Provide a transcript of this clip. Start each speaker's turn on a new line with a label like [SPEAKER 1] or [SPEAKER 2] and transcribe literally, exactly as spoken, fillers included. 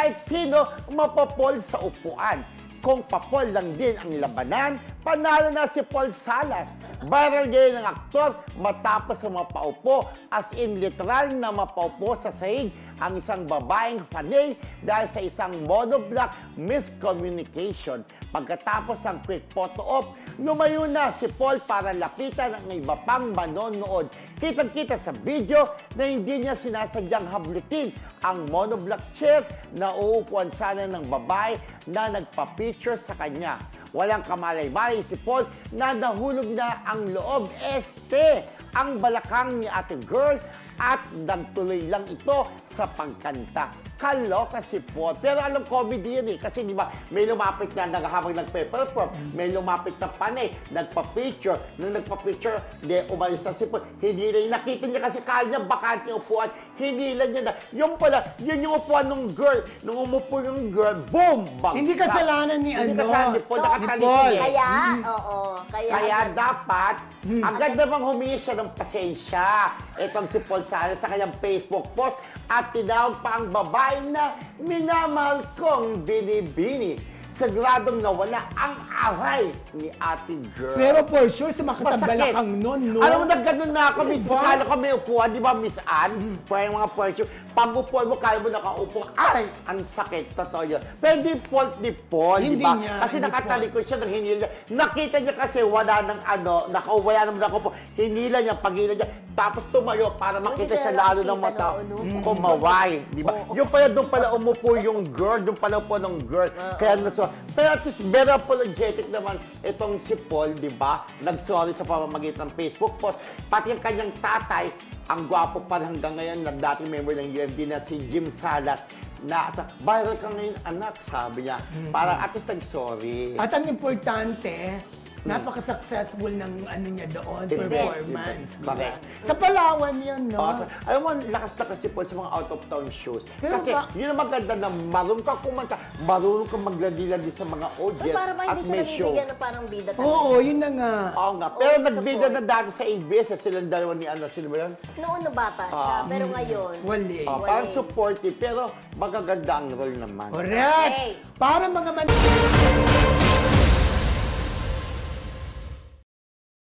[SPEAKER 1] kahit sino mapapol sa upuan. Kung papol lang din ang labanan, panalo na si Paul Salas. Viral ngayon ng aktor matapos sa mapaupo, as in literal na mapaupo sa sahig ang isang babaeng fanay dahil sa isang monoblock miscommunication. Pagkatapos ng quick photo op, lumayo na si Paul para lapitan ang iba pang manonood. Kitang-kita sa video na hindi niya sinasadyang hablutin ang monoblock chair na uupuan sana ng babae na nagpa-picture sa kanya. Walang kamalay-malay si Paul na nahulog na ang loob. Este, ang balakang ni ate girl at nagtuloy lang ito sa pagkanta. Kaloka si Paul. Pero alam, comedy yun eh. Kasi di ba, may lumapit na naghahabang nagpe-perform, may lumapit na panay, nagpa-picture. Nung nagpa-picture, di, umalis na si Paul. Hindi na, nakita niya kasi kala niya bakante yung upuan. Hinila niya na. Yung pala, yun yung upuan ng girl. Nung umupo yung girl, boom! Bagsak.
[SPEAKER 2] Hindi kasalanan ni
[SPEAKER 1] Hindi
[SPEAKER 2] ano.
[SPEAKER 1] kasalanan ni Paul.
[SPEAKER 3] So,
[SPEAKER 1] Nakataliti
[SPEAKER 2] Paul.
[SPEAKER 1] eh.
[SPEAKER 3] Kaya, oo. Kaya,
[SPEAKER 1] Kaya dapat,
[SPEAKER 2] Hmm.
[SPEAKER 1] agad namang humingi siya ng pasensya. Itong si Paul Salas sa kanyang Facebook post at tinawag pa ang babae na minamahal kong binibini. Siguradong nawala ang aray ni ate girl.
[SPEAKER 2] Pero for sure, sa
[SPEAKER 1] Masakit.
[SPEAKER 2] makatabalakang nun, no?
[SPEAKER 1] Alam mo, nagganon na ako, Miss.
[SPEAKER 2] Diba?
[SPEAKER 1] Kala ko may upuan, di ba, Miss Anne? Para yung mga person. Pag upuan mo, kala mo nakaupo. Ay, ang sakit. Totoo yun. Pero hindi fault ni Paul, di
[SPEAKER 2] Hindi
[SPEAKER 1] ba?
[SPEAKER 2] niya,
[SPEAKER 1] Kasi
[SPEAKER 2] hindi
[SPEAKER 1] nakatalikod siya ng hinila. Nakita niya kasi wala ng ano, naka, wala naman ako po. Hinila niya, pagila niya. Tapos tumayo para makita
[SPEAKER 3] Hindi
[SPEAKER 1] siya
[SPEAKER 3] ka
[SPEAKER 1] lalo
[SPEAKER 3] nakikita
[SPEAKER 1] ng mata.
[SPEAKER 3] no, no?
[SPEAKER 1] Mm. Kumaway, di ba?
[SPEAKER 3] Oo.
[SPEAKER 1] Yung pala, doon pala umupo yung girl. Doon pala upo ng girl. Kaya naso. Pero at least, very apologetic naman itong si Paul, di ba? Nag-sorry sa pamamagitan ng Facebook post. Pati yung kanyang tatay, ang gwapo pa hanggang ngayon na dating member ng U F D na si Jim Salas, na sa viral ka ngayon, anak, sabi niya. Parang at least nag-sorry.
[SPEAKER 2] At ang importante, napaka-successful ng ano niya doon,
[SPEAKER 1] Event,
[SPEAKER 2] performance.
[SPEAKER 1] event.
[SPEAKER 2] Diba?
[SPEAKER 1] Correct.
[SPEAKER 2] Sa Palawan yun, no?
[SPEAKER 1] Oh, so, alam mo, lakas-lakas si Paul sa mga out-of-town shows.
[SPEAKER 2] Pero
[SPEAKER 1] Kasi
[SPEAKER 2] ba-
[SPEAKER 1] yun ang maganda na marunong kang kumanta, marunong kang magladiladi sa mga
[SPEAKER 3] Uy,
[SPEAKER 1] audience
[SPEAKER 3] para ba
[SPEAKER 1] at
[SPEAKER 3] hindi siya
[SPEAKER 1] may show.
[SPEAKER 3] nabibigyan na parang bida talaga?
[SPEAKER 2] Oo, yun na nga.
[SPEAKER 1] Oo nga. Pero
[SPEAKER 3] Always
[SPEAKER 1] nagbida
[SPEAKER 3] support.
[SPEAKER 1] na dati sa A B S, eh, silang dalawa ni ano, sino ba yun?
[SPEAKER 3] Noon na bata siya,
[SPEAKER 1] Ah.
[SPEAKER 3] pero ngayon,
[SPEAKER 2] Wali.
[SPEAKER 1] Oh,
[SPEAKER 3] Wala
[SPEAKER 1] parang
[SPEAKER 3] eh.
[SPEAKER 1] supportive, pero magaganda ang role naman.
[SPEAKER 2] Correct.
[SPEAKER 3] Okay.
[SPEAKER 2] Para mga man...